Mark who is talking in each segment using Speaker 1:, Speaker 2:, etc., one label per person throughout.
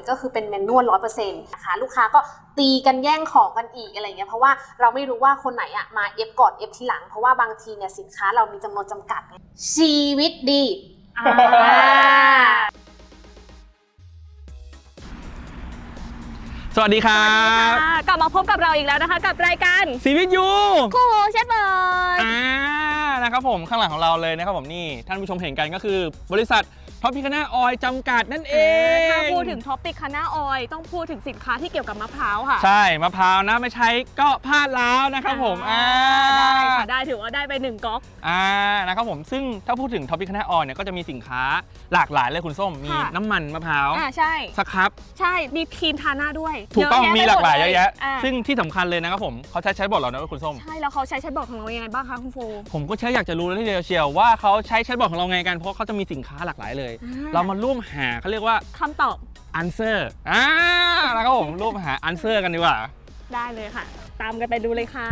Speaker 1: ก็คือเป็นแมนนวล 100% นะคะลูกค้าก็ตีกันแย่งของกันอีกอะไรเงี้ยเพราะว่าเราไม่รู้ว่าคนไหนอะมาเอฟก่อนเอฟทีหลังเพราะว่าบางทีเนี่ยสินค้าเรามีจำนวนจำกัดชีวิตดี
Speaker 2: สวัสดีครับ
Speaker 3: กลับมาพบกับเราอีกแล้วนะคะกับรายการ
Speaker 2: ชีวิตยู
Speaker 3: คู่หูเชฟเบิร์ด
Speaker 2: นะครับผมข้างหลังของเราเลยนะครับผมนี่ท่านผู้ชมเห็นกันก็คือบริษัทท็อปพิคาน่าออยล์จำกัดนั่นเอง
Speaker 3: ถ้าพูดถึงท็อปพิคาน่าออยล์ต้องพูดถึงสินค้าที่เกี่ยวกับมะพร้าวค่ะ
Speaker 2: ใช่มะพร้าวนะไม่ใช้ก็พลาดแล้วนะครับผม
Speaker 3: ได้ค่ะได้ถือว่าได้ไป1ก๊อก
Speaker 2: นะครับผมซึ่งถ้าพูดถึงท็อปพิคาน่าออยล์เนี่ยก็จะมีสินค้าหลากหลายเลยคุณส้มมีน้ำมันมะพร้าว
Speaker 3: ใช่
Speaker 2: สครับ
Speaker 3: ใช่มีครีมทาหน้าด้วย
Speaker 2: ถูกต้องมีหลากหลายเยอะแยะซึ่งที่สำคัญเลยนะครับผมเขาใช้บอร์ดเรานะคุณส้ม
Speaker 3: ใช่แล้วเขาใช้แชทบอร์ดของเรายังไงบ้างคะคุณโฟ
Speaker 2: ผมก็อยากจะรู้เลยทีเดียวเชียวว่าเขาใช้แชทบอร์ดของเราไงกันเพราะเขาจะมีสินค้าหลากหลายเลยเรามาร่วมหาเขาเรียกว่า
Speaker 3: คำตอบ
Speaker 2: answer นะครับผมร่วมหา answer กันดีกว่า
Speaker 3: ได้เลยค่ะตามกันไปดูเลยค่ะ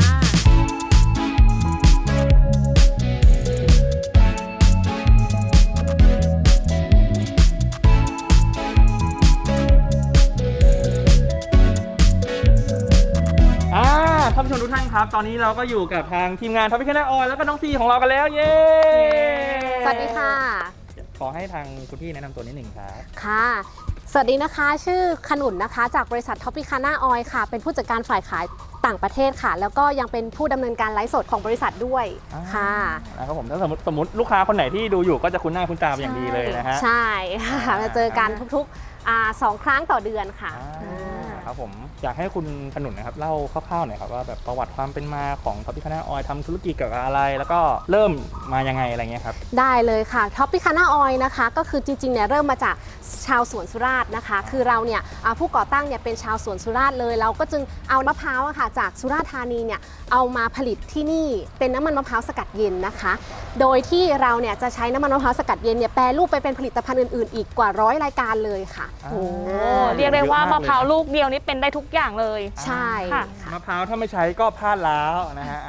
Speaker 2: ท่านผู้ชมทุกท่านครับตอนนี้เราก็อยู่กับทางทีมงานท็อปพิคาน่าออยล์แล้วก็น้องซีของเรากันแล้วเย้
Speaker 1: สวัสดีค่ะ
Speaker 2: ขอให้ทางคุณพี่แนะนำตัวนิดหนึ่งครับ
Speaker 1: ค่ะสวัสดีนะคะชื่อขนุนนะคะจากบริษัทท็อปพิคาน่าออยล์ค่ะเป็นผู้จัดการฝ่ายขายต่างประเทศค่ะแล้วก็ยังเป็นผู้ดำเนินการไลฟ์สดของบริษัทด้วยค่ะ
Speaker 2: นะครับผมถ้าสมมติลูกค้าคนไหนที่ดูอยู่ก็จะคุ้นหน้าคุ้นตาเป็นอย่างดีเลยนะฮะ
Speaker 1: ใช่ค่ะมาเจอกันทุกๆ2 ครั้งต่อเดือนค่ะ
Speaker 2: ครับผมอยากให้คุณขนุนนะครับเล่าคร่าวๆหน่อยครับว่าแบบประวัติความเป็นมาของท็อปพิคาน่าออยล์ทำธุรกิจเกี่ยวกับอะไรแล้วก็เริ่มมายังไงอะไรเงี้ยครับ
Speaker 1: ได้เลยค่ะท็อปพิคาน่าออยล์นะคะก็คือจริงๆเนี่ยเริ่มมาจากชาวสวนสุราษฎร์นะคะคือเราเนี่ยผู้ก่อตั้งเนี่ยเป็นชาวสวนสุราษฎร์เลยเราก็จึงเอามะพร้าวค่ะจากสุราษฎร์ธานีเนี่ยเอามาผลิตที่นี่เป็นน้ำมันมะพร้าวสกัดเย็นนะคะโดยที่เราเนี่ยจะใช้น้ำมันมะพร้าวสกัดเย็นเนี่ยแปรรูปไปเป็นผลิตภัณฑ์อื่นๆอีกกว่า100 รายการเลยค่ะ
Speaker 3: เรียกได้ว่ามะพร้าวลูกเดียวนี่เป็นได้ทุกอย่างเลย
Speaker 1: ใช่
Speaker 3: ค่ะ
Speaker 2: มะพร้าวถ้าไม่ใช้ก็พลาดแล้วนะฮะ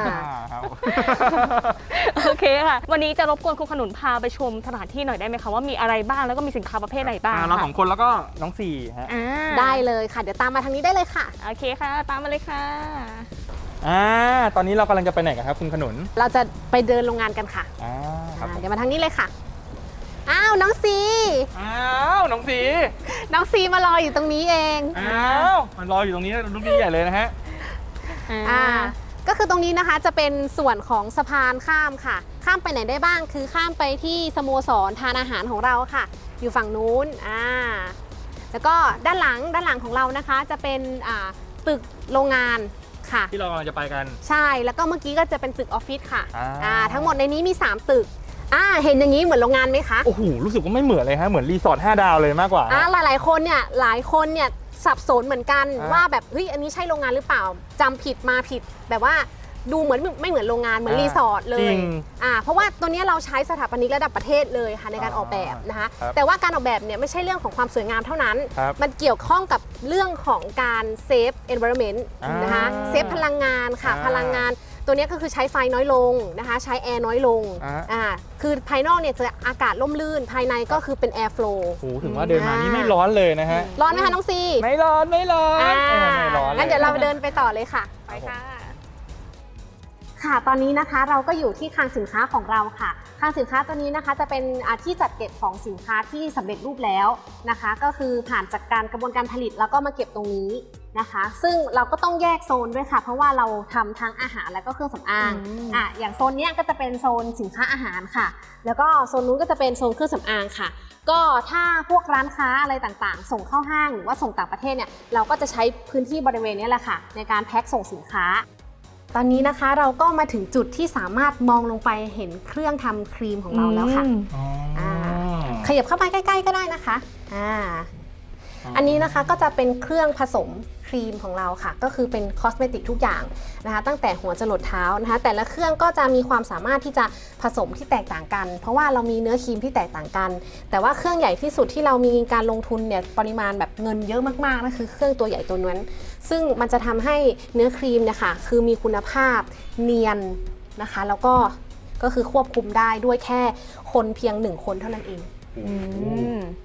Speaker 3: โอเคค่ะวันนี้จะรบกวนคุณขนุนพาไปชมสถานที่หน่อยได้ไหมคะว่ามีอะไรบ้างแล้วก็มีสินค้าประเภทไหนบ้าง
Speaker 2: เรา2 คนแล้วก็น้องสี่ฮะ
Speaker 1: ได้เลยค่ะเดี๋ยวตามมาทางนี้ได้เลยค่ะ
Speaker 3: โอเคค่ะตามมาเลยค่ะ
Speaker 2: ตอนนี้เรากำลังจะไปไหนกันครับคุณขนุน
Speaker 1: เราจะไปเดินโรงงานกันค่ะเดี๋ยวมาทางนี้เลยค่ะอ้าวน้องซี
Speaker 2: น้องซี
Speaker 1: มารออยู่ตรงนี้เอง
Speaker 2: มันรออยู่ตรงนี้ลูกดีใหญ่เลยนะฮะ
Speaker 1: ก็คือตรงนี้นะคะจะเป็นส่วนของสะพานข้ามค่ะข้ามไปไหนได้บ้างคือข้ามไปที่สโมสรทานอาหารของเราค่ะอยู่ฝั่งนู้นแล้วก็ด้านหลังของเรานะคะจะเป็นตึกโรงงานค่ะ
Speaker 2: ที่เรากำลังจะไปกัน
Speaker 1: ใช่แล้วก็เมื่อกี้ก็จะเป็นตึกออฟฟิศค่ะทั้งหมดในนี้มี3 ตึกเห็นอย่างนี้เหมือนโรงงานไหมคะ
Speaker 2: โอ้โหรู้สึกว่าไม่เหมือนเลยฮะเหมือนรีสอร์ท5 ดาวเลยมากกว่า
Speaker 1: หลายคนเนี่ยสับสนเหมือนกันว่าแบบเฮ้ยอันนี้ใช่โรงงานหรือเปล่าจำผิดมาผิดแบบว่าดูเหมือนไม่เหมือนโรงงานเหมือนรีสอร์ทเลยเพราะว่าตัวนี้เราใช้สถาปนิกระดับประเทศเลยค่ะในการออกแบบนะคะแต่ว่าการออกแบบเนี่ยไม่ใช่เรื่องของความสวยงามเท่านั้นมันเกี่ยวข้องกับเรื่องของการเซฟ environment นะคะเซฟพลังงานค่ะพลังงานตัวนี้ก็คือใช้ไฟน้อยลงนะคะใช้แอร์น้อยลงคือภายนอกเนี่ยจะอากาศร่มรื่นภายในก็คือเป็นแอร์ฟลู
Speaker 2: โอ้ถึงว่าเดินมานี่ไม่ร้อนเลยนะฮะ
Speaker 1: ร้อนไหมคะน้องซี
Speaker 2: ไม่ร้อนไม่ร้อน
Speaker 1: งั้นเดี๋ยวเราเดินไปต่อเลยค่ะ
Speaker 3: ไปค่ะ
Speaker 1: ค่ะตอนนี้นะคะเราก็อยู่ที่คลังสินค้าของเราค่ะคลังสินค้าตัวนี้นะคะจะเป็นที่จัดเก็บของสินค้าที่สำเร็จรูปแล้วนะคะก็คือผ่านจากการกระบวนการผลิตแล้วก็มาเก็บตรงนี้นะคะซึ่งเราก็ต้องแยกโซนด้วยค่ะเพราะว่าเราทำทั้งอาหารและก็เครื่องสำอางอย่างโซนนี้ก็จะเป็นโซนสินค้าอาหารค่ะแล้วก็โซนนู้นก็จะเป็นโซนเครื่องสำอางค่ะก็ถ้าพวกร้านค้าอะไรต่างๆส่งเข้าห้างหรือว่าส่งต่างประเทศเนี่ยเราก็จะใช้พื้นที่บริเวณนี้แหละค่ะในการแพ็คส่งสินค้าตอนนี้นะคะเราก็มาถึงจุดที่สามารถมองลงไปเห็นเครื่องทำครีมของเราแล้วค่ะขยับเข้าไปใกล้ๆก็ได้นะคะอันนี้นะคะก็จะเป็นเครื่องผสมครีมของเราค่ะก็คือเป็นคอสเมติกทุกอย่างนะคะตั้งแต่หัวจรดเท้านะคะแต่ละเครื่องก็จะมีความสามารถที่จะผสมที่แตกต่างกันเพราะว่าเรามีเนื้อครีมที่แตกต่างกันแต่ว่าเครื่องใหญ่ที่สุดที่เรามีการลงทุนเนี่ยปริมาณแบบเงินเยอะมากๆนั่นคือเครื่องตัวใหญ่ตัวนั้นซึ่งมันจะทำให้เนื้อครีมเนี่ยค่ะคือมีคุณภาพเนียนนะคะแล้วก็คือควบคุมได้ด้วยแค่คนเพียง1 คนเท่านั้นเอง
Speaker 3: โอเค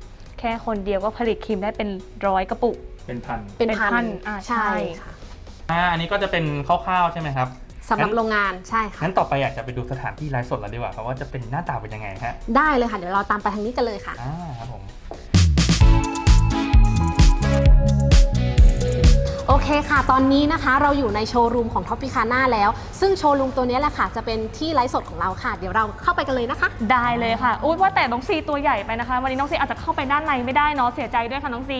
Speaker 3: แค่คนเดียวก็ผลิตครีมได้เป็น100 กระปุก
Speaker 2: เป็นพัน
Speaker 1: เป็น
Speaker 3: เป็นพั
Speaker 1: พั
Speaker 3: น
Speaker 1: น
Speaker 3: ใช่
Speaker 1: ค่ะ
Speaker 2: อันนี้ก็จะเป็นคร่าวๆใช่ไหมครับ
Speaker 1: สำหรับโรงงานใช่ค่ะ
Speaker 2: งั้นต่อไปอยากจะไปดูสถานที่ไลฟ์สดแล้วดีกว่าครับว่าจะเป็นหน้าตาเป็นยังไงฮะ
Speaker 1: ได้เลยค่ะ เดี๋ยวเราตามไปทางนี้กันเลยค่ะ
Speaker 2: ครับผม
Speaker 1: โอเคค่ะ ตอนนี้นะคะเราอยู่ในโชว์รูมของท็อปปิคาน่าแล้ว ซึ่งโชว์รูมตัวนี้แหละค่ะจะเป็นที่ไลฟ์สดของเราค่ะ เดี๋ยวเราเข้าไปกันเลยนะคะ
Speaker 3: ได้เลยค่ะอุ้ยว่าแต่น้องซีตัวใหญ่ไปนะคะ วันนี้น้องซีอาจจะเข้าไปด้านในไม่ได้เนาะเสียใจด้วยค่ะน้องซี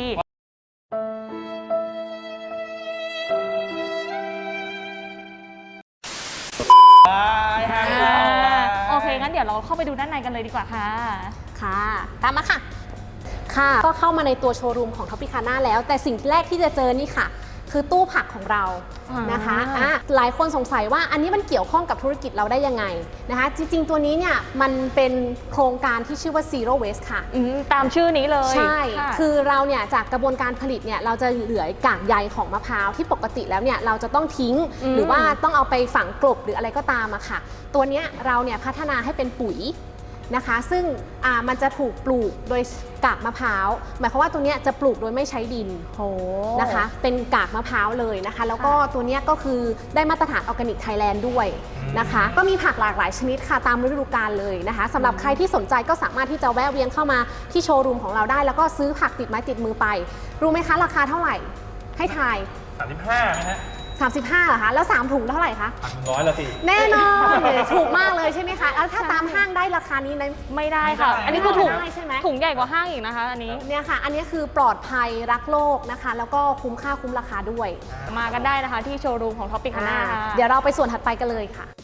Speaker 3: โอเคงั้นเดี๋ยวเราเข้าไปดูด้านในกันเลยดีกว่าค่ะ
Speaker 1: ค่ะ ตามมาค่ะ ค่ะ ก็เข้ามาในตัวโชว์รูมของท็อปปิคาน่าแล้ว แต่สิ่งแรกที่จะเจอนี่ค่ะ คือตู้ผักของเรานะคะหลายคนสงสัยว่าอันนี้มันเกี่ยวข้องกับธุรกิจเราได้ยังไงนะคะ จริงๆตัวนี้เนี่ยมันเป็นโครงการที่ชื่อว่า Zero Waste ค่ะ
Speaker 3: ตามชื่อนี้เลย
Speaker 1: ใช่
Speaker 3: ค่ะ
Speaker 1: คือเราเนี่ยจากกระบวนการผลิตเนี่ยเราจะเหลือกากใยของมะพร้าวที่ปกติแล้วเนี่ยเราจะต้องทิ้ง หรือว่าต้องเอาไปฝังกลบหรืออะไรก็ตามอะค่ะ ตัวเนี้ยเราเนี่ยพัฒนาให้เป็นปุ๋ยนะคะ ซึ่งมันจะถูกปลูกโดยกากมะพร้าวหมายความว่าตัวเนี้ยจะปลูกโดยไม่ใช้ดิน
Speaker 3: โห
Speaker 1: นะคะเป็นกากมะพร้าวเลยนะคะ แล้วก็ตัวเนี้ยก็คือได้มาตรฐานออร์แกนิกไทยแลนด์ด้วยนะคะ ก็มีผักหลากหลายชนิดค่ะตามฤดูกาลเลยนะคะสำหรับใครที่สนใจก็สามารถที่จะแวะเวียนเข้ามาที่โชว์รูมของเราได้ แล้วก็ซื้อผักติดไม้ติดมือไป รู้ไหมคะราคาเท่าไหร่ ให้ทาย
Speaker 2: 35นะฮะ
Speaker 1: 35เหรอคะแล้ว3ถุงเท่าไหร่คะ
Speaker 2: 100ละสิ
Speaker 1: แน่นอนถูกมากเลยใช่ไหมคะแล้วถ้าตามห้างได้ราคานี้เลย
Speaker 3: ไม่ได้ค่ะ
Speaker 2: ไม่ได้
Speaker 3: อันนี้คือถุง
Speaker 1: ไม่ได้ใช่ไหม
Speaker 3: ถุงใหญ่กว่าห้างอีกนะคะ อันนี้
Speaker 1: เนี่ยค่ะ อันนี้คือปลอดภัยรักโลกนะคะ แล้วก็คุ้มค่าคุ้มราคาด้วย
Speaker 3: มากันได้นะคะที่โชว์รูมของท็อปปิคาน่า
Speaker 1: เดี๋ยวเราไปส่วนถัดไปกันเลยค่ะ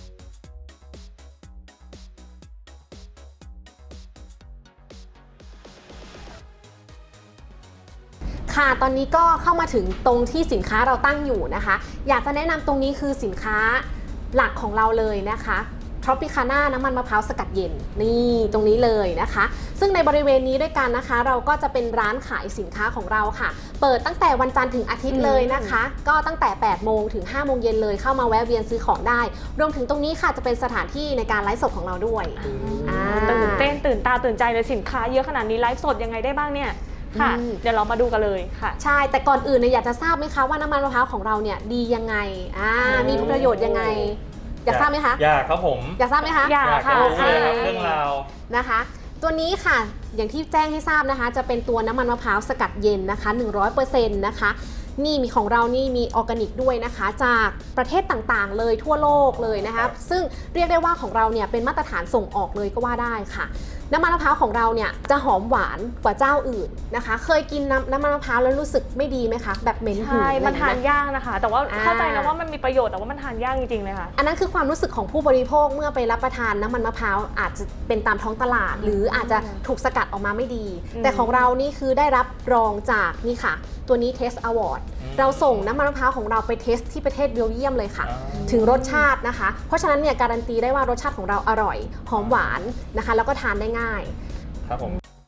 Speaker 1: ค่ะ ตอนนี้ก็เข้ามาถึงตรงที่สินค้าเราตั้งอยู่นะคะ อยากจะแนะนำตรงนี้คือสินค้าหลักของเราเลยนะคะท็อปปิคาน่าน้ำมันมะพร้าวสกัดเย็นนี่ตรงนี้เลยนะคะ ซึ่งในบริเวณนี้ด้วยกันนะคะ เราก็จะเป็นร้านขายสินค้าของเราค่ะ เปิดตั้งแต่วันจันทร์ถึงอาทิตย์เลยนะคะ ก็ตั้งแต่ 8 โมงถึง 5 โมงเย็นเลยเข้ามาแวะเวียนซื้อของได้ รวมถึงตรงนี้ค่ะจะเป็นสถานที่ในการไลฟ์สดของเราด้วย
Speaker 3: ตื่นเต้นตื่นตาตื่นใจเลยสินค้าเยอะขนาดนี้ไลฟ์สดยังไงได้บ้างเนี่ยค่ะ เดี๋ยวเรามาดูกันเลยค่ะ
Speaker 1: ใช่ แต่ก่อนอื่นเนี่ยอยากจะทราบไหมคะว่าน้ำมันมะพร้าวของเราเนี่ยดียังไงมีประโยชน์ยังไง อยากทราบไหมคะ
Speaker 2: อยากครับผม
Speaker 1: อยากทราบไหมคะ
Speaker 3: อยากค่ะ
Speaker 2: รู้เลยครับเรื่องราว
Speaker 1: นะคะ ตัวนี้ค่ะอย่างที่แจ้งให้ทราบนะคะ จะเป็นตัวน้ำมันมะพร้าวสกัดเย็นนะคะ 100% นะคะนี่มีของเรานี่มีออร์แกนิกด้วยนะคะ จากประเทศต่างๆเลยทั่วโลกเลยนะคะซึ่งเรียกได้ว่าของเราเนี่ยเป็นมาตรฐานส่งออกเลยก็ว่าได้ค่ะ น้ำมันมะพร้าวของเราเนี่ยจะหอมหวานกว่าเจ้าอื่นนะคะ เคยกินน้ำมันมะพร้าวแล้วรู้สึกไม่ดีไหมคะแบบเหม็นหืน
Speaker 3: ใช่
Speaker 1: อะไร
Speaker 3: มันทาน
Speaker 1: ไห
Speaker 3: ยากนะคะ แต่ว่าเข้าใจนะว่ามันมีประโยชน์แต่ว่ามันทานยากจริงๆเลยค่ะ
Speaker 1: อันนั้นคือความรู้สึกของผู้บริโภคเมื่อไปรับประทานน้ำมันมะพร้าวอาจจะเป็นตามท้องตลาด หรืออาจจะถูกสกัดออกมาไม่ดี แต่ของเรานี่คือได้รับรองจากนี่ค่ะ ตัวนี้ Taste Award เราส่งน้ำมันมะพร้าวของเราไปเทสที่ประเทศเบลเยียมเลยค่ะ ถึงรสชาตินะคะ เพราะฉะนั้นเนี่ยการันตีได้ว่ารสชาติของเราอร่อยหอมหวานนะคะ แล้วก็ทานได้ง่าย
Speaker 2: ครับผม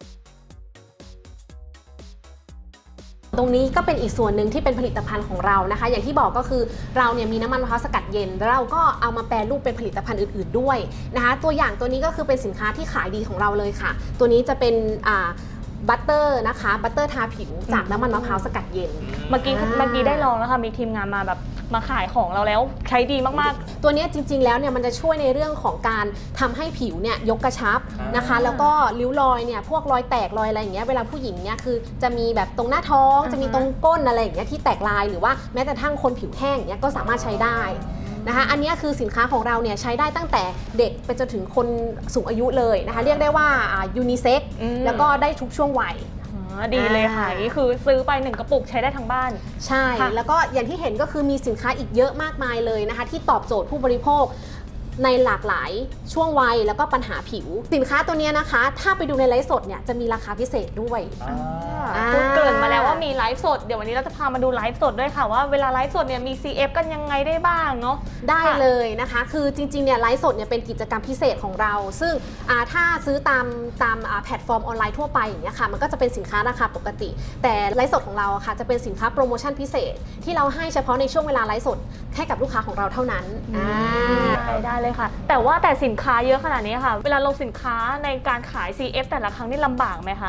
Speaker 1: ตรงนี้ก็เป็นอีกส่วนหนึ่งที่เป็นผลิตภัณฑ์ของเรานะคะ อย่างที่บอกก็คือเราเนี่ยมีน้ำมันมะพร้าวสกัดเย็นแล้วเราก็เอามาแปรรูปเป็นผลิตภัณฑ์อื่นๆด้วยนะคะ ตัวอย่างตัวนี้ก็คือเป็นสินค้าที่ขายดีของเราเลยค่ะ ตัวนี้จะเป็นบัตเตอร์นะคะบัตเตอร์ทาผิวจากน้ำมันมะพร้าวสกัดเย็น
Speaker 3: เมื่อกี้ได้ลองแล้วค่ะมีทีมงานมาแบบมาขายของเราแล้วใช้ดีมาก
Speaker 1: ตัวนี้จริงๆแล้วเนี่ยมันจะช่วยในเรื่องของการทำให้ผิวเนี่ยยกกระชับนะคะ แล้วก็ริ้วรอยเนี่ยพวกรอยแตกรอยอะไรอย่างเงี้ยเวลาผู้หญิงเนี่ยคือจะมีแบบตรงหน้าท้องจะมีตรงก้นอะไรอย่างเงี้ยที่แตกลายหรือว่าแม้แต่ทั้งคนผิวแห้งอย่างเงี้ยก็สามารถใช้ได้นะคะอันนี้คือสินค้าของเราเนี่ยใช้ได้ตั้งแต่เด็กไปจนถึงคนสูงอายุเลยนะคะเรียกได้ว่ายูนิเซ็กแล้วก็ได้ทุกช่วงวัย
Speaker 3: ดีเลยค่ะนี่คือซื้อไป1กระปุกใช้ได้ทั้งบ้าน
Speaker 1: ใช่ แล้วก็อย่างที่เห็นก็คือมีสินค้าอีกเยอะมากมายเลยนะคะที่ตอบโจทย์ผู้บริโภคในหลากหลายช่วงวัยแล้วก็ปัญหาผิว สินค้าตัวนี้นะคะ ถ้าไปดูในไลฟ์สดเนี่ยจะมีราคาพิเศษด้วย
Speaker 3: คุณเกริ่นมาแล้วว่ามีไลฟ์สดเดี๋ยววันนี้เราจะพามาดูไลฟ์สดด้วยค่ะว่าเวลาไลฟ์สดเนี่ยมี CF กันยังไงได้บ้างเนาะ
Speaker 1: ได้เลยนะคะ คือจริงๆเนี่ยไลฟ์สดเนี่ยเป็นกิจกรรมพิเศษของเรา ซึ่งถ้าซื้อตามแพลตฟอร์มออนไลน์ทั่วไปอย่างเงี้ยค่ะมันก็จะเป็นสินค้าราคาปกติ แต่ไลฟ์สดของเราอะค่ะจะเป็นสินค้าโปรโมชั่นพิเศษ ที่เราให้เฉพาะในช่วงเวลาไลฟ์สดให้กับลูกค้าของเราเท่านั้น
Speaker 3: ได้เลยค่ะ แต่สินค้าเยอะขนาดนี้ค่ะ เวลาลงสินค้าในการขาย CF แต่ละครั้งนี่ลำบากไหมคะ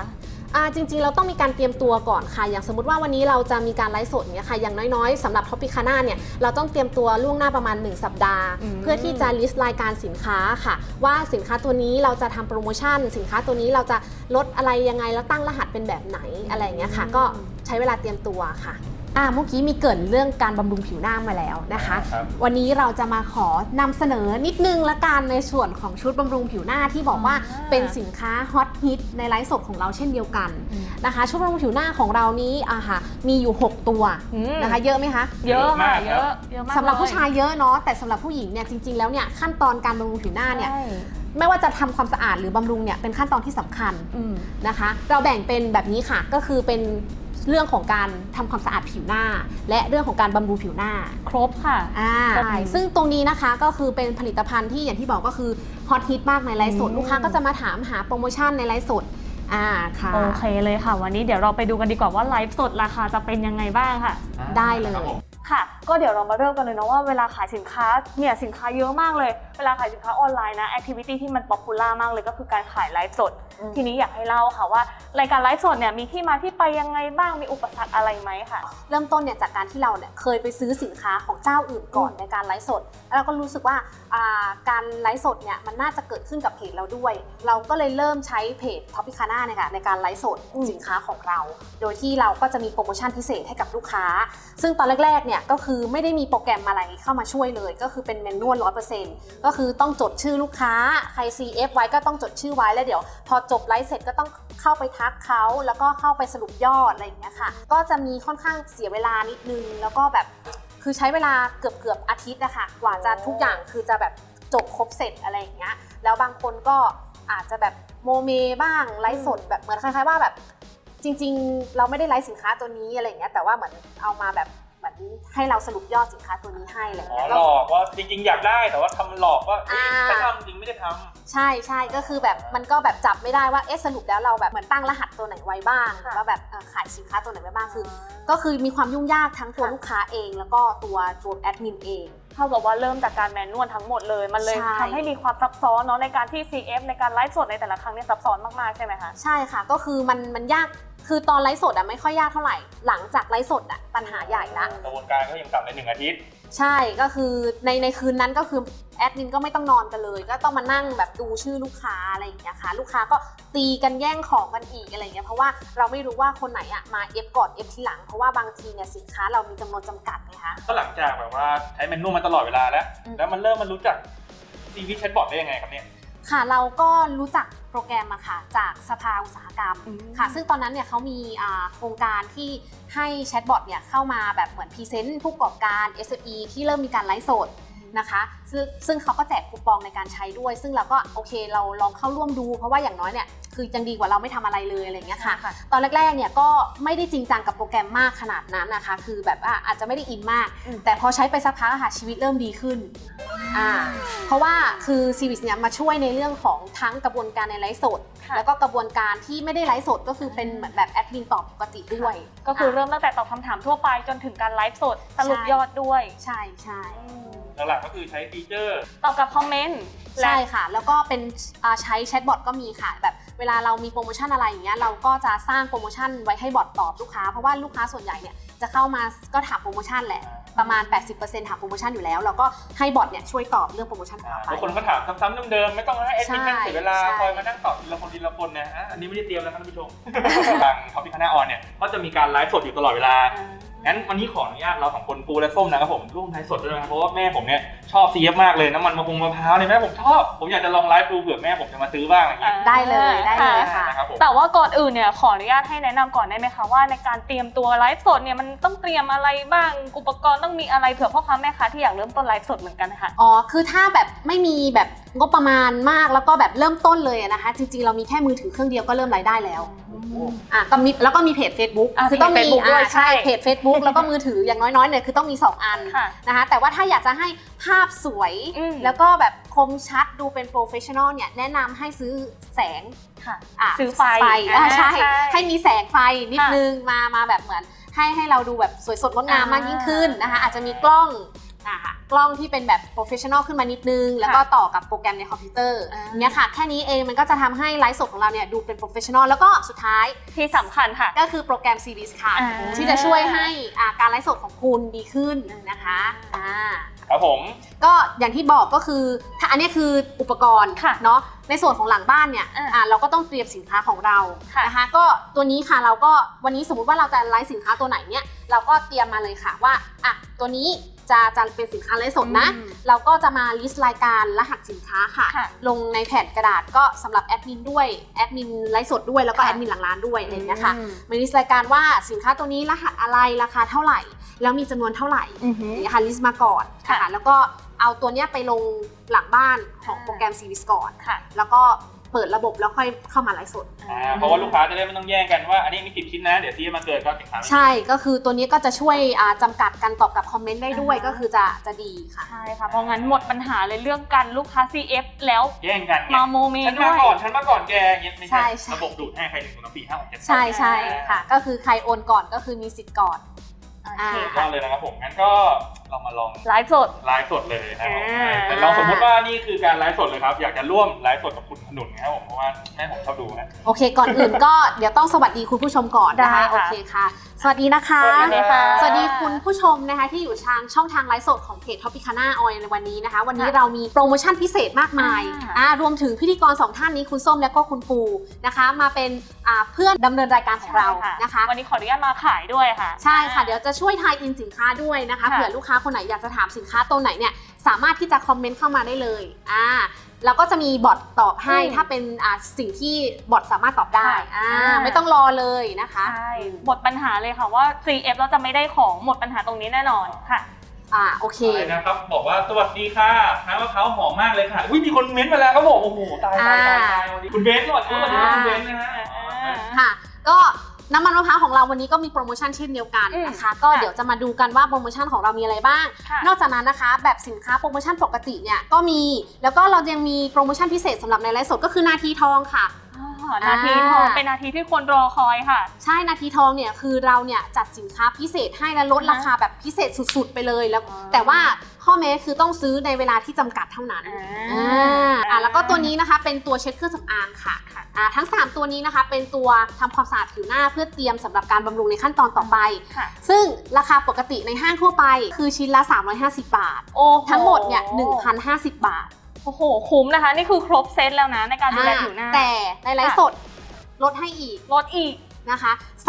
Speaker 1: จริงๆเราต้องมีการเตรียมตัวก่อนค่ะอย่างสมมติว่าวันนี้เราจะมีการไลฟ์สดเนี่ยค่ะอย่างน้อยๆสำหรับ Tropicana เนี่ยเราต้องเตรียมตัวล่วงหน้าประมาณ1สัปดาห์เพื่อที่จะลิสต์รายการสินค้าค่ะว่าสินค้าตัวนี้เราจะทำโปรโมชั่นสินค้าตัวนี้เราจะลดอะไรยังไงแล้วตั้งรหัสเป็นแบบไหนอะไรอย่างเงี้ยค่ะก็ใช้เวลาเตรียมตัวค่ะเมื่อกี้มีเกริ่นเรื่องการบำรุงผิวหน้ามาแล้วนะคะวันนี้เราจะมาขอนำเสนอนิดนึงละกันในส่วนของชุดบำรุงผิวหน้าที่บอกว่าเป็นสินค้าฮอตฮิตในไลฟ์สดของเราเช่นเดียวกันนะคะชุดบำรุงผิวหน้าของเรานี้มีอยู่6ตัวนะคะเยอะไหมคะ
Speaker 3: เยอะมากเยอะมาก
Speaker 1: สำหรับผู้ชายเยอะเนาะแต่สำหรับผู้หญิงเนี่ยจริงๆแล้วเนี่ยขั้นตอนการบำรุงผิวหน้าเนี่ยไม่ว่าจะทำความสะอาดหรือบำรุงเนี่ยเป็นขั้นตอนที่สำคัญนะคะเราแบ่งเป็นแบบนี้ค่ะก็คือเป็นเรื่องของการทำความสะอาดผิวหน้าและเรื่องของการบำรุงผิวหน้า
Speaker 3: ครบค่ะ
Speaker 1: ใช่ซึ่งตรงนี้นะคะก็คือเป็นผลิตภัณฑ์ที่อย่างที่บอกก็คือฮอตฮิตมากในไลฟ์สดลูกค้าก็จะมาถามหาโปรโมชั่นในไลฟ์สดค่ะ
Speaker 3: โอเคเลยค่ะวันนี้เดี๋ยวเราไปดูกันดีกว่าว่าไลฟ์สดราคาจะเป็นยังไงบ้างค่ะ
Speaker 1: ได้เลย
Speaker 3: ค่ะก็เดี๋ยวเรามาเริ่มกันเลยนะว่าเวลาขายสินค้าเนี่ยสินค้าเยอะมากเลยเวลาขายสินค้าออนไลน์นะแอคทิวิตี้ที่มันป๊อปปูล่ามากเลยก็คือการขายไลฟ์สดทีนี้อยากให้เล่าค่ะว่ารายการไลฟ์สดเนี่ยมีที่มาที่ไปยังไงบ้างมีอุปสรรคอะไรไหมค่ะ
Speaker 1: เริ่มต้นเนี่ยจากการที่เราเนี่ยเคยไปซื้อสินค้าของเจ้าอื่นก่อนในการไลฟ์สดแล้วเราก็รู้สึกว่าการไลฟ์สดเนี่ยมันน่าจะเกิดขึ้นกับเพจเราด้วยเราก็เลยเริ่มใช้เพจ Tropicana เนี่ยค่ะในการไลฟ์สดสินค้าของเราโดยที่เราก็จะมีโปรโมชั่นพิเศษให้กับลูกค้าซึ่งตอนแรกๆเนี่ยก็คือไม่ได้มีโปรแกรมอะไรเข้ามาช่วยเลยก็คือเป็นแมนนวล 100% ก็คือต้องจดชื่อลูกค้าใคร CF ไว้ก็ต้องจดชื่อไว้แล้วเดี๋ยวพอจบไลฟ์เสร็จก็ต้องเข้าไปทักเขาแล้วก็เข้าไปสรุปยอดอะไรอย่างเงี้ยค่ะก็จะมีค่อนข้างเสียเวลานิดนึงแล้วก็แบบคือใช้เวลาเกือบอาทิตย์นะคะกว่าจะทุกอย่างคือจะแบบจบครบเสร็จอะไรอย่างเงี้ยแล้วบางคนก็อาจจะแบบโมเมบ้างไลฟ์สดแบบเหมือนคล้ายๆว่าแบบจริงๆเราไม่ได้ไลฟ์สินค้าตัวนี้อะไรอย่างเงี้ยแต่ว่าเหมือนเอามาแบบเหมือนให้เราสรุปยอดสินค้าตัวนี้ให้อะไรอย่างเงี้ย
Speaker 2: หลอกว่าจริงๆอยากได้แต่ว่าทำหลอกว่าไม่ทำจริงไม่ได้ทำ
Speaker 1: ใช่ก็คือแบบมันก็แบบจับไม่ได้ว่าสรุปแล้วเราแบบเหมือนตั้งรหัสตัวไหนไว้บ้างว่าแบบขายสินค้าตัวไหนไว้บ้างคือก็คือมีความยุ่งยากทั้งตัวลูกค้าเองแล้วก็ตัวแอดมินเอง
Speaker 3: เท่ากับว่าเริ่มจากการแมนนวลทั้งหมดเลยมันเลยทำให้มีความซับซ้อนเนาะในการที่ CF ในการไลฟ์สดในแต่ละครั้งเนี่ยซับซ้อนมากๆใช่ไหมคะ
Speaker 1: ใช่ค่ะก็คือมันยากคือตอนไลฟ์สดไม่ค่อยยากเท่าไหร่หลังจากไลฟ์สดปัญหาใหญ่ละ
Speaker 2: กระบวนการก็ยังต่ำใน1 อาทิตย์
Speaker 1: ใช่ก็คือในคืนนั้นก็คือแอดมินก็ไม่ต้องนอนกันเลยก็ต้องมานั่งแบบดูชื่อลูกค้าอะไรอย่างเงี้ยค่ะลูกค้าก็ตีกันแย่งของกันอีกอะไรเงี้ยเพราะว่าเราไม่รู้ว่าคนไหนมาเอฟก่อนเอฟทีหลังเพราะว่าบางทีเนี่ยสินค้าเรามีจำนวนจำกัดไงคะ
Speaker 2: ก็หลังจากแบบว่าใช้แมนนวลมาตลอดเวลาแล้วมันเริ่มมารู้จักซีวีแชทบอทได้ยังไงครับเนี่ย
Speaker 1: ค่ะเราก็รู้จักโปรแกรมมาค่ะจากสภาอุตสาหกรรมค่ะซึ่งตอนนั้นเนี่ยเขามีโครงการที่ให้แชทบอทเนี่ยเข้ามาแบบเหมือนพรีเซนต์ผู้ประกอบการ SME ที่เริ่มมีการไลฟ์สดนะคะซึ่งเขาก็แจกคูปองในการใช้ด้วยซึ่งเราก็โอเคเราลองเข้าร่วมดูเพราะว่าอย่างน้อยเนี่ยคือยังดีกว่าเราไม่ทำอะไรเลยอะไรอย่างเงี้ยค่ะตอนแรกๆเนี่ยก็ไม่ได้จริงจังกับโปรแกรมมากขนาดนั้นนะคะคือแบบอาจจะไม่ได้อินมากแต่พอใช้ไปสักพักค่ะชีวิตเริ่มดีขึ้นเพราะว่าคือซีวิสเนี่ยมาช่วยในเรื่องของทั้งกระบวนการในไลฟ์สดแล้วก็กระบวนการที่ไม่ได้ไลฟ์สดก็คือเป็นเหมือนแบบแอดมินตอบปกติด้วย
Speaker 3: ก็คือเริ่มตั้งแต่ตอบคำถามทั่วไปจนถึงการไลฟ์สดสรุปยอดด้วย
Speaker 1: ใช่
Speaker 2: หลักๆก็คือใช้ฟีเจอร์
Speaker 3: ตอบกับคอมเมนต์
Speaker 1: ใช่ค่ะแล้วก็เป็นใช้แชทบอทก็มีค่ะแบบเวลาเรามีโปรโมชั่นอะไรอย่างเงี้ยเราก็จะสร้างโปรโมชั่นไว้ให้บอทตอบลูกค้าเพราะว่าลูกค้าส่วนใหญ่เนี่ยจะเข้ามาก็ถามโปรโมชั่นแหละประมาณ 80% ถามโปรโมชั่นอยู่แล้วเราก็ให้บอทเนี่ยช่วยตอบเรื่องโปรโมชั่นของเราไป
Speaker 2: บางคนก็ถามซ้ำๆเดิมๆไม่ต้องให้แอดมินนั่งเสียเวลาคอยมานั่งตอบทีละคนนะอันนี้ไม่ได้เตรียมแล้วท่านผู้ชมทาง Tropicana On เนี่ยก็จะมีการไลฟ์สดอยู่ตลอดเวลางั้นวันนี้ขออนุญาตเรา2 คนปูและส้มนะครับผมร่วมไลฟ์สดด้วยนะเพราะว่าแม่ผมเนี่ยชอบ CF มากเลยน้ำมันมะพร้าวเนี่ยแม่ผมชอบผมอยากจะลองไลฟ์ดูเผื่อแม่ผมจะมาซื้อบ้างอย่างเงี้ย
Speaker 1: ได้เลยค่ะ
Speaker 3: แต่ว่าก่อนอื่นเนี่ยขออนุญาตให้แนะนำก่อนได้ไหมคะว่าในการเตรียมตัวไลฟ์สดเนี่ยมันต้องเตรียมอะไรบ้างอุปกรณ์ต้องมีอะไรเผื่อพ่อค้าแม่ค้าที่อยากเริ่มต้นไลฟ์สดเหมือนกันค่ะ
Speaker 1: คือถ้าแบบไม่มีแบบงบประมาณมากแล้วก็แบบเริ่มต้นเลยนะคะจริงๆเรามีแค่มือถือเครื่องเดียวก็เริ่มรายได้แล้วก็มีแล้วก็มีเพจ Facebook คือต้องมีใช่เพจ Facebook แล้วก็มือถืออย่างน้อยๆเนี่ยคือต้องมี2 อันนะคะแต่ว่าถ้าอยากจะให้ภาพสวยแล้วก็แบบคมชัดดูเป็นโปรเฟชชั่นอลเนี่ยแนะนำให้ซื้อแสง
Speaker 3: ซื้อไฟ
Speaker 1: ใช่ให้มีแสงไฟนิดนึงมาแบบเหมือนให้เราดูแบบสวยสดงดงามมากยิ่งขึ้นนะคะอาจจะมีกล้องค่ะกล้องที่เป็นแบบ professional ขึ้นมานิดนึงแล้วก็ต่อกับโปรแกรมในคอมพิวเตอร์เนี่ยค่ะแค่นี้เองมันก็จะทำให้ไลฟ์สดของเราเนี่ยดูเป็น professional แล้วก็สุดท้าย
Speaker 3: ที่สำคัญค่ะ
Speaker 1: ก็คือโปรแกรม Series ค่ะ
Speaker 3: อ่า
Speaker 1: ที่จะช่วยให้การไลฟ์สดของคุณดีขึ้นนะคะ
Speaker 2: ครับผม
Speaker 1: ก็อย่างที่บอกก็คือถ้าอันนี้คืออุปกรณ์เนาะในส่วนของหลังบ้านเนี่ยเราก็ต้องเตรียมสินค้าของเรานะคะก็ตัวนี้ค่ะเราก็วันนี้สมมุติว่าเราจะไลฟ์สินค้าตัวไหนเนี่ยเราก็เตรียมมาเลยค่ะว่าตัวนี้จะเป็นสินค้าไลฟ์สดนะเราก็จะมาลิสต์รายการรหัสสินค้าค่ะลงในแผ่นกระดาษก็สำหรับแอดมินด้วยแอดมินไลฟ์สดด้วยแล้วก็แอดมินหลังร้านด้วยอะไรอย่างเงี้ยค่ะมาลิสต์รายการว่าสินค้าตัวนี้รหัสอะไรราคาเท่าไหร่แล้วมีจำนวนเท่าไหร่เนี่ยค่ะลิสต์มาก่อนค่ะแล้วก็เอาตัวเนี้ยไปลงหลังบ้านของโปรแกรม Series ก่อนแล้วก็เปิดระบบแล้วค่อยเข้ามาไลฟ์สด
Speaker 2: เพราะว่าลูกค้าจะได้ไม่ต้องแย่งกันว่าอันนี้มี10 ชิ้นนะเดี๋ยวที่มาเกิดก็สินค้า
Speaker 1: ใช่ก็คือตัวนี้ก็จะช่วยจำกัดการตอบกับคอมเมนต์ได้ด้วยก็คือจะดีค่ะ
Speaker 3: ใช่ค่ะเพราะงั้นหมดปัญหาเลยเรื่องการลูกค้า CF แล้ว
Speaker 2: แย่งกัน
Speaker 3: มาโมเม
Speaker 2: ฉันมาก่อนแกอย่างเงี้ยไม่ใช่ระบบดูดให้ใคร1 2 3 4 5 6 7
Speaker 1: ใช่ค่ะก็คือใครโอนก่อนก็คือมีสิทธิ์ก่อน
Speaker 2: ก็เลยนะครับผมงั้นก็เรามาลอง
Speaker 3: ไลฟ์สด
Speaker 2: เลยนะครับแต่ลองสมมติว่านี่คือการไลฟ์สดเลยครับอยากจะร่วมไลฟ์สดกับคุณขนุนนะครับผมเพราะว่าแม่ผมชอบดูนะ
Speaker 1: โอเคก่อนอื่นก็เดี๋ยวต้องสวัสดีคุณผู้ชมก่อนนะคะโอเคค่ะสวัสดีนะคะสวัสดีคุณผู้ชมนะคะที่อยู่ทางช่องทางไลฟ์สดของเพจ Tropicana Oil ในวันนี้นะคะวันนี้เรามีโปรโมชั่นพิเศษมากมายรวมถึงพิธีกร2ท่านนี้คุณส้มและก็คุณปูนะคะมาเป็นเพื่อนดำเนินรายการของเรานะคะ
Speaker 3: วันนี้ขออนุญาตมาขายด้วยค่ะ
Speaker 1: ใช่ค่ะเดี๋ยวจะช่วยทายอินสินค้าด้วยนะคะเผื่อลูกค้าคนไหนอยากจะถามสินค้าตัวไหนเนี่ยสามารถที่จะคอมเมนต์เข้ามาได้เลยแล้วก็จะมีบอทตอบให้ถ้าเป็นสิ่งที่บอทสามารถตอบได้ไม่ต้องรอเลยนะคะ
Speaker 3: ใช่หมดปัญหาเลยค่ะว่า CF เราจะไม่ได้ของหมดปัญหาตรงนี้แน่นอนค่ะ
Speaker 1: โอเค
Speaker 2: นะครับบอกว่าสวัสดีค่ะน้ำมะพร้าวหอมมากเลยค่ะมีคนเม้นต์มาแล้วครับบอกโอ้โหตายคุณเบนซ์สวัสดีคุณเบนซ์นะฮะ
Speaker 1: ค่ะก็น้ำมันมะพร้าวของเราวันนี้ก็มีโปรโมชั่นเช่นเดียวกันนะคะก็เดี๋ยวจะมาดูกันว่าโปรโมชั่นของเรามีอะไรบ้างนอกจากนั้นนะคะแบบสินค้าโปรโมชั่นปกติเนี่ยก็มีแล้วก็เรายังมีโปรโมชั่นพิเศษสำหรับในไลฟ์สดก็คือนาทีทองค่ะ
Speaker 3: นาทีทองเป็นนาทีที่คนรอคอยค่ะ
Speaker 1: ใช่นาทีทองเนี่ยคือเราเนี่ยจัดสินค้าพิเศษให้และลดราคาแบบพิเศษสุดๆไปเลยแล้วแต่ว่าข้อแม้คือต้องซื้อในเวลาที่จำกัดเท่านั้นแล้วก็ตัวนี้นะคะเป็นตัวเช็ดเครื่องสำอางค่ะทั้ง3ตัวนี้นะคะเป็นตัวทำความสะอาดผิวหน้าเพื่อเตรียมสำหรับการบำรุงในขั้นตอนต่อไปซึ่งราคาปกติในห้างทั่วไปคือชิ้นละ350 บาททั้งหมดเนี่ย 1,050 บาท
Speaker 3: โอ้โหคุ้มนะคะนี่คือครบเซตแล้วนะในการดูแลผิวหน้า
Speaker 1: แต่ในไลฟ์สดลดให้อีกนะคะ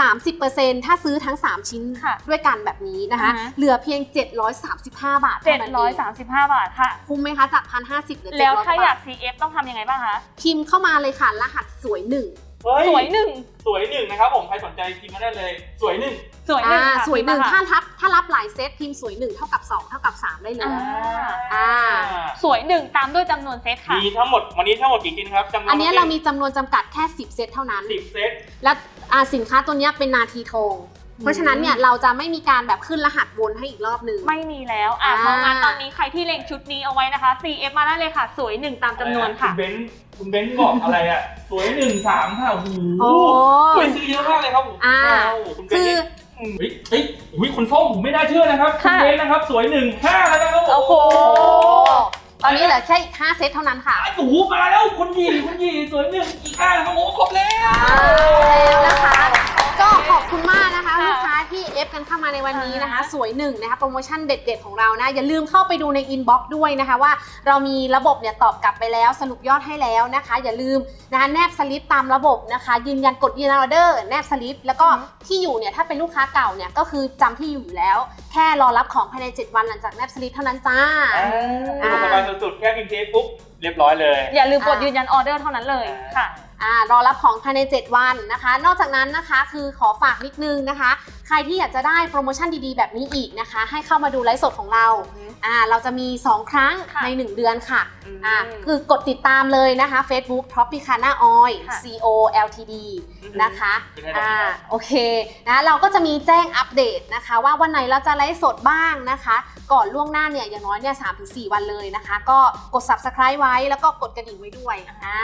Speaker 1: 30% ถ้าซื้อทั้ง3ชิ้นด้วยกันแบบนี้นะคะเหลือเพียง735 บาทเท่านั้นเอง
Speaker 3: 735 บาทค่ะ
Speaker 1: คุ้มไหมคะจาก 1,050 เหลือ700
Speaker 3: แล้วถ้าอยาก CF ต้องทำยังไงบ้างคะ
Speaker 1: พิมพ์เข้ามาเลยค่ะรหัสสวย1
Speaker 3: สวย1
Speaker 2: นะครับผมใครสนใจพิมพ์มาได้เลยสวย1
Speaker 1: สวย1ถ้ารับหลายเซตพิมพ์สวย1เท่ากับ2เท่ากับ3ได้เลย
Speaker 3: สวย1ตามด้วยจำนวนเซตค่ะ
Speaker 2: มีทั้งหมดวันนี้ทั้งหมดกี่ชิ้นครับ
Speaker 1: อันนี้เรามีจำนวนจำกัดแค่10 เซตเท่านั้น
Speaker 2: 10 เซต
Speaker 1: และสินค้าตัวนี้เป็นนาทีทองเพราะฉะนั้นเนี่ยเราจะไม่มีการแบบขึ้นรหัสวนให้อีกรอบนึง
Speaker 3: ไม่มีแล้วเพราะงั้นตอนนี้ใครที่เล็งชุดนี้เอาไว้นะคะ CF มาได้เลยค่ะสวย1ตามจำนวนค่ะ
Speaker 2: คุณเบนซ์บอกอะไรสวย1 3ค่ะโอ้โหสวยซื้อเยอะมากเลยครับคุณเบนซ์คุณส้มผมไม่น่าเชื่อนะครับคุณเบนซ์นะครับสวย1 5แล้วนะครับ
Speaker 1: โอ้โหตอนนี้เหลือแค่อีก5 เซตเท่านั้นค่ะ
Speaker 2: โอ้โหมาแล้วคุณหยีสวย1อีก5ครับโอ้ครบแล้ว
Speaker 1: นะคะก็ขอบคุณมากนะคะลูกค้าที่เอฟกันเข้ามาในวันนี้นะคะสวย1นะคะโปรโมชั่นเด็ดๆของเรานะอย่าลืมเข้าไปดูในอินบ็อกซ์ด้วยนะคะว่าเรามีระบบเนี่ยตอบกลับไปแล้วสรุปยอดให้แล้วนะคะอย่าลืมนะคะแนบสลิปตามระบบนะคะยืนยันกดยืนยันออเดอร์แนบสลิปแล้วก็ที่อยู่เนี่ยถ้าเป็นลูกค้าเก่าเนี่ยก็คือจำที่อยู่แล้วแค่รอรับของภายใน7 วันหลังจากแนบสลิปเท่านั้นจ้า
Speaker 2: สบายสุดๆแค่พิมพ์เทปปุ๊บเรียบร้อยเลย
Speaker 3: อย่าลืมกดยืนยันออเดอร์เท่านั้นเลยค่ะ
Speaker 1: รอรับของภายใน7 วันนะคะนอกจากนั้นนะคะคือขอฝากนิดนึงนะคะใครที่อยากจะได้โปรโมชั่นดีๆแบบนี้อีกนะคะให้เข้ามาดูไลฟ์สดของเราเราจะมี2 ครั้งใน1 เดือนค่ะคือกดติดตามเลยนะคะ Facebook Tropicana Oil CO Ltd นะคะโอเคนะเราก็จะมีแจ้งอัปเดตนะคะว่าวันไหนเราจะไลลฟ์สดบ้างนะคะ ก่อนล่วงหน้าเนี่ยอย่างน้อยเนี่ย3-4 วันเลยนะคะ ก็กด subscribe ไว้แล้วก็กดกระดิ่งไว้ด้วย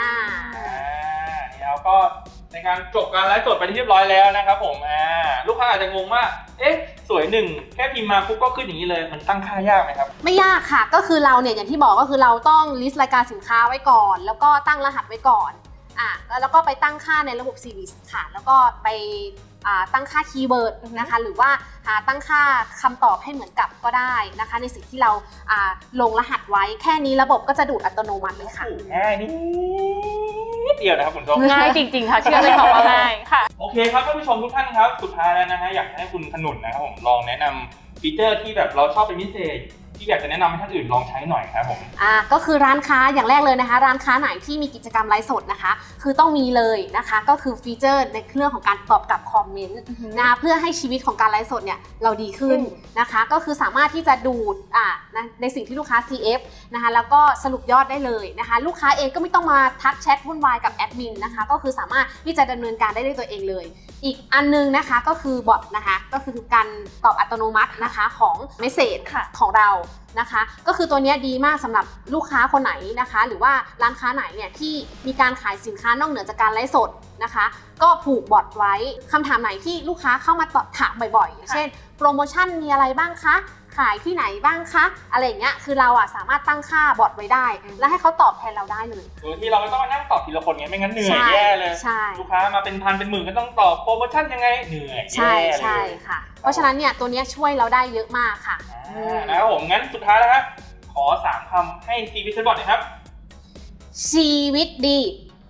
Speaker 2: นี่เราก็ในการจบการไลฟ์สดไปที่เรียบร้อยแล้วนะครับผมลูกค้าอาจจะงงว่าเอ๊ะสวยหนึ่งแค่พิมพ์มาปุ๊บก็ขึ้นอย่างนี้เลยมันตั้งค่ายากไหมครับ
Speaker 1: ไม่ยากค่ะก็คือเราเนี่ยอย่างที่บอกก็คือเราต้อง list รายการสินค้าไว้ก่อนแล้วก็ตั้งรหัสไว้ก่อนแล้วก็ไปตั้งค่าในระบบ Series ค่ะแล้วก็ไปตั้งค่าคีย์เวิร์ดนะคะหรือว่าตั้งค่าคำตอบให้เหมือนกับก็ได้นะคะในสิ่งที่เราลงรหัสไว้แค่นี้ระบบก็จะดูดอัตโนมัติเลยค่ะ
Speaker 2: ง่ายนิดเดียวนะครับคุณผู้ชม
Speaker 3: ง่ายจริงๆค่ะเชื่อเลยค่ะว่าง่ายค่ะ
Speaker 2: โอเคครับท่านผู้ชมทุกท่านครับสุดท้ายแล้วนะฮะอยากให้คุณขนุนนะครับผมลองแนะนำฟีเจอร์ที่แบบเราชอบเป็นพิเศษที่อยากจะแนะนำให้ท่านอื่นลองใช้หน่อยครับผม
Speaker 1: ก็คือร้านค้าอย่างแรกเลยนะคะร้านค้าไหนที่มีกิจกรรมไลฟ์สดนะคะคือต้องมีเลยนะคะก็คือฟีเจอร์ในเรื่องของการตอบกลับคอมเมนต์นะเพื่อให้ชีวิตของการไลฟ์สดเนี่ยเราดีขึ้นนะคะก็คือสามารถที่จะดูดในสิ่งที่ลูกค้า CF นะคะแล้วก็สรุปยอดได้เลยนะคะลูกค้าเองก็ไม่ต้องมาทักแชทวุ่นวายกับแอดมินนะคะก็คือสามารถที่จะดำเนินการได้ด้วยตัวเองเลยอีกอันนึงนะคะก็คือบอทนะคะก็คือการตอบอัตโนมัตินะคะของเมสเสจของเรานะคะก็คือตัวนี้ดีมากสำหรับลูกค้าคนไหนนะคะหรือว่าร้านค้าไหนเนี่ยที่มีการขายสินค้านอกเหนือจากการไลฟ์สดนะคะก็ผูกบอทไว้คำถามไหนที่ลูกค้าเข้ามาถามบ่อยๆเช่นโปรโมชั่นมีอะไรบ้างคะขายที่ไหนบ้างคะอะไรอย่างเงี้ยคือเราสามารถตั้งค่าบอทไว้ได้แล้วให้เขาตอบแทนเราได้เลย
Speaker 2: โดยที่เราไม่ต้องมานั่งตอบทีละคนไงไม่งั้นเหนื่อยแย่เลยลูกค้ามาเป็นพันเป็นหมื่นก็ต้องตอบโปรโมชั่นยังไงเหนื่อย
Speaker 1: ใช่ค่ะเพราะฉะนั้นเนี่ยตัวนี้ช่วยเราได้เยอะมากค่ะ
Speaker 2: นะครับผมงั้นสุดท้ายแล้วครับขอ3 คำให้ชีวิตเชฟบอทหน่อยครับ
Speaker 1: ชีวิตดี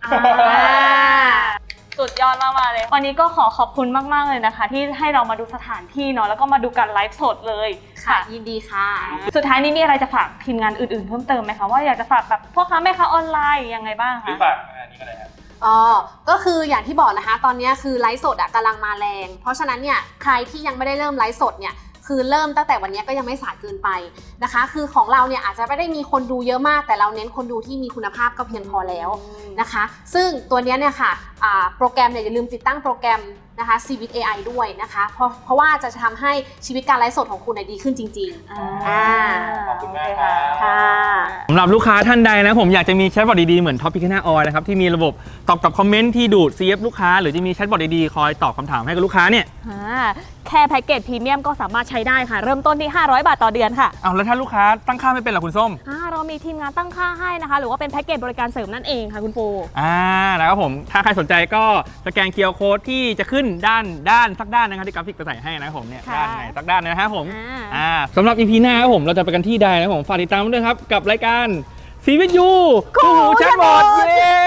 Speaker 3: สุดยอดมากๆเลยวันนี้ก็ขอขอบคุณมากๆเลยนะคะที่ให้เรามาดูสถานที่เนาะแล้วก็มาดูการไลฟ์สดเลย
Speaker 1: ค่ะยินดีค่ะ
Speaker 3: สุดท้ายนี้มีอะไรจะฝากทีมงานอื่นๆเพิ่มเติมไหมคะว่าอยากจะฝากแบบพ่อค้าแม่ค้าออนไลน์ยังไงบ้างคะ
Speaker 2: หรือฝากอันนี้ก็ได้ครับ
Speaker 1: ก็คืออย่างที่บอกนะคะตอนนี้คือไลฟ์สดกำลังมาแรงเพราะฉะนั้นเนี่ยใครที่ยังไม่ได้เริ่มไลฟ์สดเนี่ยคือเริ่มตั้งแต่วันนี้ก็ยังไม่สายเกินไปนะคะคือของเราเนี่ยอาจจะไม่ได้มีคนดูเยอะมากแต่เราเน้นคนดูที่มีคุณภาพก็เพียงพอแล้วนะคะซึ่งตัวนี้เนี่ยค่ะโปรแกรมเนี่ยอย่าลืมติดตั้งโปรแกรมนะคะ Cvit AI ด้วยนะคะเพราะว่าจะทำให้ชีวิตการไลฟ์สดของคุณดีขึ้นจริง
Speaker 2: ๆขอบคุณมากค่ะ
Speaker 4: สำหรับลูกค้าท่านใดนะผมอยากจะมีแชทบอทดีๆเหมือน Tropicana Oil นะครับที่มีระบบตอบกับคอมเมนต์ที่ดูด CF ลูกค้าหรือจะมีแชทบอทดีๆคอยตอบคำถามให้กับลูกค้าเนี่ย
Speaker 3: แค่แพ็กเกจพรีเมียมก็สามารถใช้ได้ค่ะเริ่มต้นที่500 บาทต่อเดือนค่ะ
Speaker 4: แล้วถ้าลูกค้าตั้งค่าไม่เป็นล่ะคุณส้ม
Speaker 3: เรามีทีมงานตั้งค่าให้นะคะหรือว่าเป็นแพ็กเกจบริการเสริมนั่นเองค่ะคุณปู
Speaker 4: นะครับผมถ้าใครสนใจก็สแกน QR Code ที่จะขึ้นด้านสักด้านนะครับที่กราฟิกจะใส่ให้นะครับผมเนี่ยด้านไหนสักด้านนะครับผมสำหรับ EP หน้าครับผมเราจะไปกันที่ใดนะครับผมฝากติดตามด้วยครับกับรายการ CVIT คู่หูแชทบอทเย้